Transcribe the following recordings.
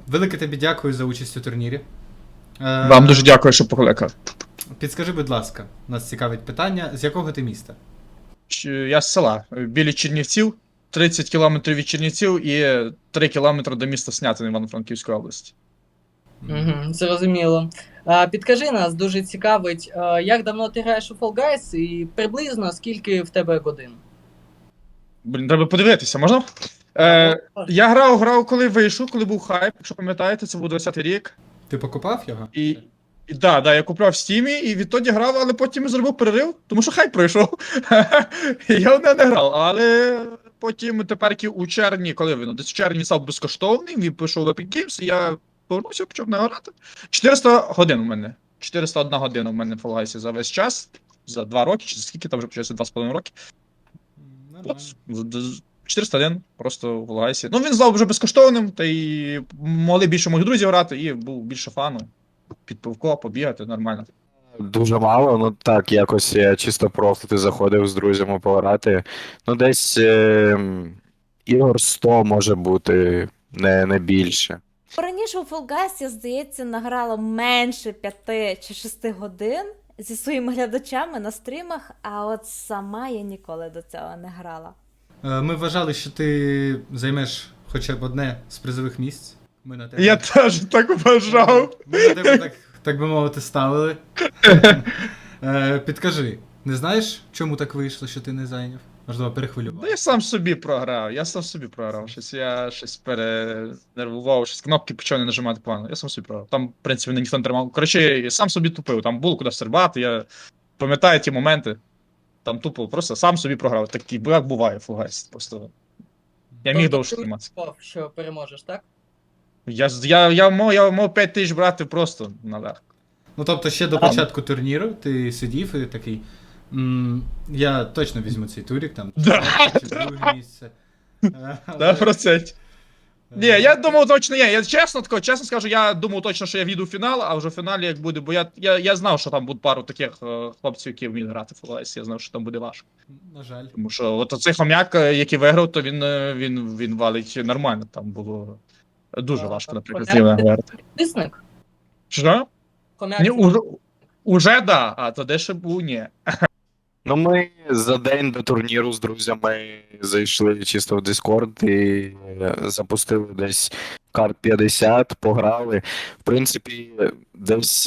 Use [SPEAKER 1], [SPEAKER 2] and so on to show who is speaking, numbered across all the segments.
[SPEAKER 1] Велике тобі дякую за участь у турнірі.
[SPEAKER 2] Вам дуже дякую, що покликав.
[SPEAKER 1] Підскажи, будь ласка, нас цікавить питання, з якого ти міста?
[SPEAKER 2] Я з села, біля Чернівців, 30 кілометрів від Чернівців і 3 кілометри до міста Снятин Івано-Франківської області.
[SPEAKER 3] Угу, зрозуміло. Підкажи нас, дуже цікавить, як давно ти граєш у Fall Guys і приблизно скільки в тебе годин?
[SPEAKER 2] Блін, треба подивитися, можна? Я грав, коли вийшов, коли був хайп, якщо пам'ятаєте, це був 20-й рік.
[SPEAKER 1] Ти покупав його?
[SPEAKER 2] І да, я купив в Стімі, і відтоді грав, але потім зробив перерив, тому що хайп пройшов. І я в неї не грав, але потім тепер у червні, коли він десь в червні став безкоштовний, він пішов в Epic Games, і я повернувся, почав не грати. 400 годин у мене. 401 година у мене в Fall Guys за весь час, за 2 роки, чи за скільки там вже почався, 2,5 роки.
[SPEAKER 1] Нормально.
[SPEAKER 2] 401 просто в Fall Guys. Ну він став вже безкоштовним, та й могли більше моїх друзів грати, і був більше фану. Під пивко, побігати, нормально.
[SPEAKER 4] Дуже мало, ну так, якось я чисто просто ти заходив з друзями пограти. Ну, десь ігор 100 може бути, не більше.
[SPEAKER 5] Раніше у Fall Guys, я, здається, награла менше 5 чи 6 годин зі своїми глядачами на стрімах, а от сама я ніколи до цього не грала.
[SPEAKER 1] Ми вважали, що ти займеш хоча б одне з призових місць. Ми на тебе...
[SPEAKER 2] Я теж так вважав.
[SPEAKER 1] Ми на тебе так би мовити, ставили. Підкажи, не знаєш, чому так вийшло, що ти не зайняв? Можливо, перехвилював.
[SPEAKER 2] Я сам собі програв. Я щось перенервував, щось кнопки почав не нажимати погано. Я сам собі програв. Там, в принципі, ніхто не тримав. Коротше, я сам собі тупив. Там було куди стрибати, я пам'ятаю ті моменти. Там тупо просто сам собі програв. Такий, як буває в Fall Guys. Просто я міг довше триматися.
[SPEAKER 3] Ти що переможеш, так?
[SPEAKER 2] Я мав 5 тисяч брати просто наверх.
[SPEAKER 1] Ну, тобто, ще до початку турніру ти сидів і такий. Я точно візьму цей турік, там,
[SPEAKER 2] Да.
[SPEAKER 1] чи друге місце.
[SPEAKER 2] Да, процент. Ні, я думав точно, я чесно скажу, я думав точно, що я війду в фінал, а вже в фіналі як буде, бо я знав, що там буде пару таких хлопців, які вміють грати в Fall Guys, я знав, що там буде важко.
[SPEAKER 1] На жаль.
[SPEAKER 2] Тому що от оцей хом'як, який виграв, то він валить нормально, там було дуже важко, наприклад, з ним грати.
[SPEAKER 3] Підписник?
[SPEAKER 2] Що?
[SPEAKER 3] Хомяк
[SPEAKER 2] Ні, уже да, а то де ще був, ні.
[SPEAKER 4] Ну, ми за день до турніру з друзями зайшли чисто в Discord і запустили десь карт 50, пограли. В принципі, десь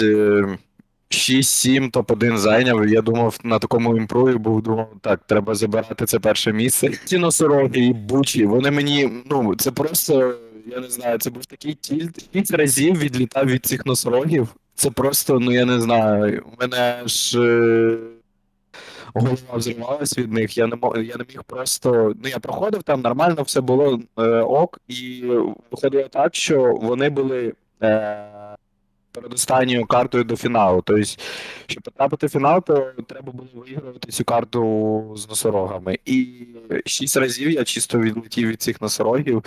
[SPEAKER 4] 6-7 топ-1 зайняв. Я думав, на такому імпрові думав, так, треба забирати це перше місце. Ці носороги і бучі, вони мені, ну, це просто, я не знаю, це був такий тільт. 6 разів відлітав від цих носорогів. Це просто, ну я не знаю, у мене ж голова взривалась від них, я не міг просто. Ну, я проходив там, нормально все було ок, і виходило так, що вони були перед останньою картою до фіналу. Тобто, щоб потрапити в фінал, то треба було виігрувати цю карту з носорогами. І 6 разів я чисто відлетів від цих носорогів,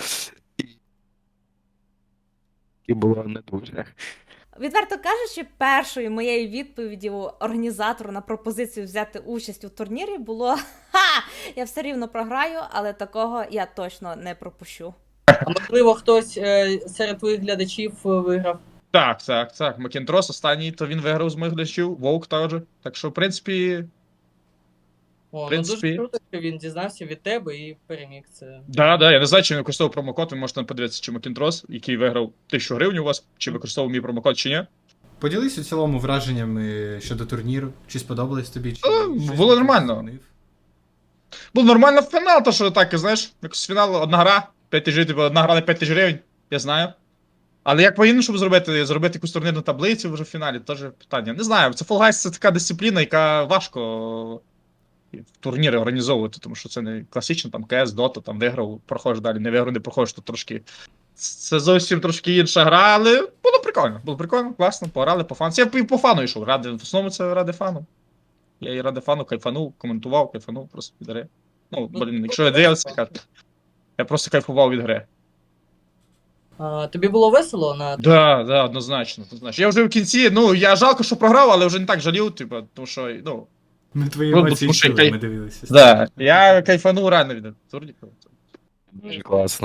[SPEAKER 4] і було не дуже.
[SPEAKER 5] Відверто кажучи, першою моєю відповіддю організатору на пропозицію взяти участь у турнірі було «Ха! Я все рівно програю, але такого я точно не пропущу».
[SPEAKER 3] А можливо, хтось серед твоїх глядачів виграв?
[SPEAKER 2] Так. Макінтрос останній, то він виграв з моїх глядачів, Вовк теж. Так що, в принципі,
[SPEAKER 3] О,
[SPEAKER 2] принципі.
[SPEAKER 3] ну дуже круто, що він дізнався від тебе і переміг це.
[SPEAKER 2] Да, я не знаю, чи він використовував промокод, ви можете подивитися, чи Макінтрос, який виграв 1000 гривень у вас, чи використовував мій промокод, чи ні.
[SPEAKER 1] Поділись у цілому враженнями щодо турніру. Чи сподобалось тобі? Чи щось
[SPEAKER 2] було
[SPEAKER 1] не
[SPEAKER 2] нормально.
[SPEAKER 1] змінив?
[SPEAKER 2] Був нормально фінал, то що так, знаєш, якось фінал, одна гра, 5 тисяч, типу, одна гра на 5 тисяч гривень, я знаю. Але як по-іншому зробити якусь турнірну таблицю вже в фіналі, теж питання. Не знаю, це Fall Guys це така дисципліна, яка важко в турніри організовувати, тому що це не класично, там КС, Dota, там виграв, проходиш далі, не виграв, не проходиш, то трошки. Це зовсім трошки інша гра, але було прикольно, класно, пограли по фану. Я по фану йшов, в основному це ради фану. Я і ради фану кайфанув, коментував, кайфанув просто від гри. Ну, блін, якщо я дивився, я просто кайфував від гри.
[SPEAKER 3] Тобі було весело на
[SPEAKER 2] Да, однозначно. Я вже в кінці, я жалко, що програв, але вже не так жалів, типу, тому що,
[SPEAKER 1] Ми твої
[SPEAKER 2] Ну,
[SPEAKER 1] емоції
[SPEAKER 2] тому що
[SPEAKER 1] чули, ми дивилися.
[SPEAKER 2] да, я кайфанув реально від турніку.
[SPEAKER 4] Дуже класно.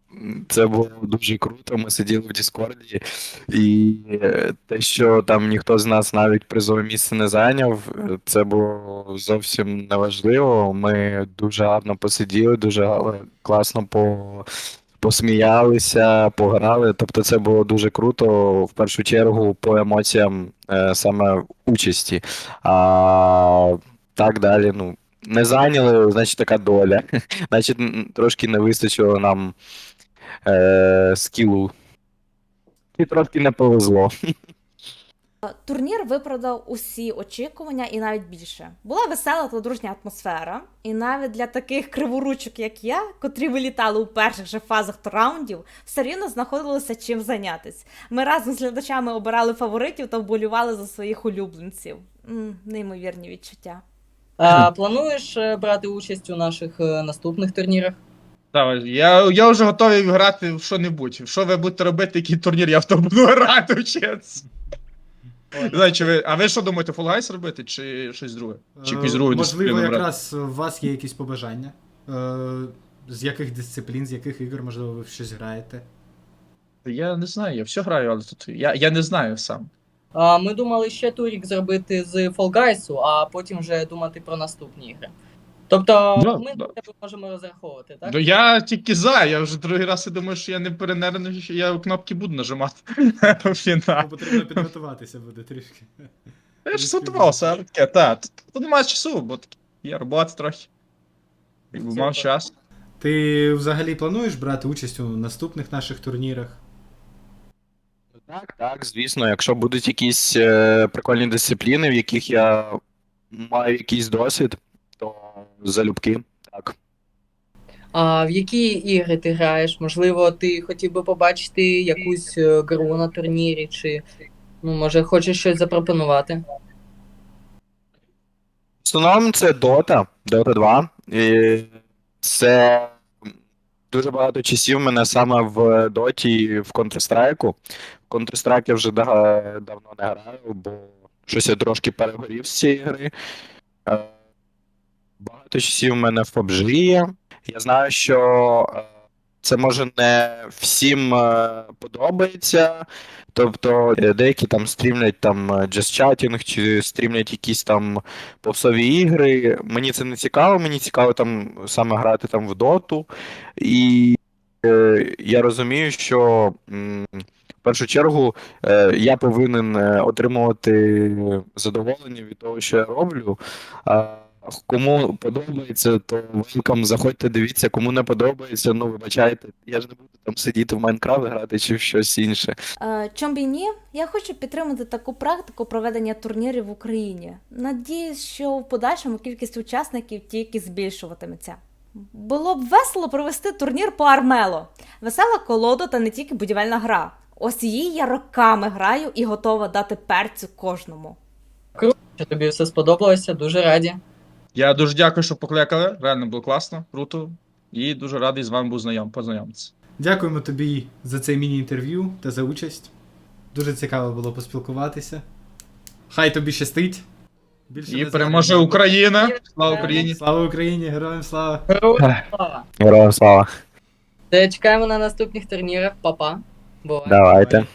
[SPEAKER 4] Це було дуже круто. Ми сиділи в Діскорді, і те, що там ніхто з нас навіть призове місце не зайняв, це було зовсім неважливо. Ми дуже гарно посиділи, дуже класно посміялися, пограли. Тобто це було дуже круто, в першу чергу, по емоціям саме участі. А так далі, ну. Не зайняли, значить така доля. Значить, трошки не вистачило нам скілу. І трошки не повезло.
[SPEAKER 5] Турнір виправдав усі очікування і навіть більше. Була весела та дружня атмосфера, і навіть для таких криворучок, як я, котрі вилітали у перших же фазах раундів, все рівно знаходилося чим зайнятись. Ми разом з глядачами обирали фаворитів та вболівали за своїх улюбленців. Неймовірні відчуття.
[SPEAKER 3] Плануєш брати участь у наших наступних турнірах?
[SPEAKER 2] Так, я вже готовий грати в що-небудь. Що ви будете робити, який турнір, я в то буду грати, вчитися. Не знаю, а ви що думаєте, Fall Guys робити, чи щось друге? Чи якусь другу
[SPEAKER 1] Можливо,
[SPEAKER 2] дисципліну брати?
[SPEAKER 1] якраз у вас є якісь побажання. З яких дисциплін, з яких ігор, можливо, ви в щось граєте?
[SPEAKER 2] Я не знаю, я все граю, але тут я не знаю сам.
[SPEAKER 3] Ми думали ще турік зробити з Fall Guys, а потім вже думати про наступні ігри. Тобто
[SPEAKER 2] Да,
[SPEAKER 3] ми
[SPEAKER 2] да.
[SPEAKER 3] на тебе можемо розраховувати, так?
[SPEAKER 2] Ну я тільки за, я вже другий раз і думаю, що я не перенервний, що я кнопки буду нажимати в фінал.
[SPEAKER 1] Ну, потрібно підготуватися буде трішки.
[SPEAKER 2] Я ж готувався, але таке, тут немає часу, бо є робота трохи. Якби мав час.
[SPEAKER 1] Ти взагалі плануєш брати участь у наступних наших турнірах?
[SPEAKER 4] Так, звісно, якщо будуть якісь прикольні дисципліни, в яких я маю якийсь досвід, то залюбки, так.
[SPEAKER 3] А в які ігри ти граєш? Можливо, ти хотів би побачити якусь гру на турнірі, чи може хочеш щось запропонувати?
[SPEAKER 4] В основному це Dota 2. І це дуже багато часів мене саме в Доті, в Counter-Strike. В Counter-Strike я вже давно не граю, бо щось я трошки перегорів з цієї гри. Багато часів в мене в PUBG є. Я знаю, що це може не всім подобається. Тобто деякі там стрімлять там Just Chatting, чи стрімлять якісь там попсові ігри. Мені це не цікаво, мені цікаво там саме грати там в доту. І я розумію, що в першу чергу я повинен отримувати задоволення від того, що я роблю. Кому подобається, то welcome, заходьте, дивіться, кому не подобається, ну вибачайте, я ж не буду там сидіти в Майнкрафт грати чи в щось інше.
[SPEAKER 5] Чом б і ні, я хочу підтримати таку практику проведення турнірів в Україні. Надіюсь, що в подальшому кількість учасників тільки збільшуватиметься. Було б весело провести турнір по Армело. Весела колода та не тільки будівельна гра. Ось її я роками граю і готова дати перцю кожному.
[SPEAKER 3] Що тобі все сподобалося, дуже раді.
[SPEAKER 2] Я дуже дякую, що покликали. Реально було класно, круто. І дуже радий з вами був познайомитися.
[SPEAKER 1] Дякуємо тобі за цей міні-інтерв'ю та за участь. Дуже цікаво було поспілкуватися. Хай тобі щастить. Більше
[SPEAKER 2] І
[SPEAKER 1] не
[SPEAKER 2] переможе
[SPEAKER 1] забудемо.
[SPEAKER 2] Україна! Слава Україні!
[SPEAKER 1] Слава Україні! Героям слава!
[SPEAKER 3] Героям слава!
[SPEAKER 4] Героям слава.
[SPEAKER 3] Чекаємо на наступних турнірах. Па-па. Бувай.
[SPEAKER 4] Давайте.